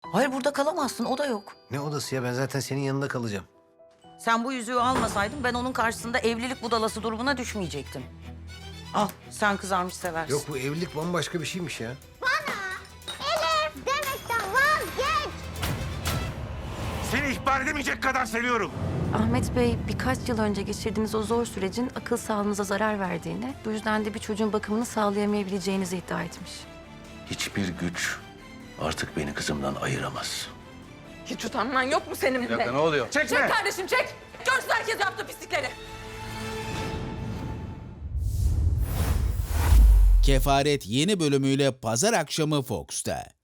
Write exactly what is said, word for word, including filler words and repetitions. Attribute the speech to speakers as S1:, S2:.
S1: Hayır, burada kalamazsın, o da yok.
S2: Ne odası ya? Ben zaten senin yanında kalacağım.
S1: Sen bu yüzüğü almasaydın ben onun karşısında evlilik budalası durumuna düşmeyecektim. Al, sen kızarmış seversin.
S2: Yok, bu evlilik bambaşka bir şeymiş ya.
S3: Elif demekten vazgeç.
S4: Seni ihbar edemeyecek kadar seviyorum.
S5: Ahmet Bey birkaç yıl önce geçirdiğiniz o zor sürecin akıl sağlığınıza zarar verdiğini, bu yüzden de bir çocuğun bakımını sağlayamayabileceğinizi iddia etmiş.
S6: Hiçbir güç artık beni kızımdan ayıramaz.
S7: Hiç utanman yok mu senin bile?
S6: Ne oluyor?
S4: Çekme.
S7: Çek kardeşim çek. Görsün herkes yaptığı pislikleri.
S8: Kefaret yeni bölümüyle pazar akşamı Fox'ta.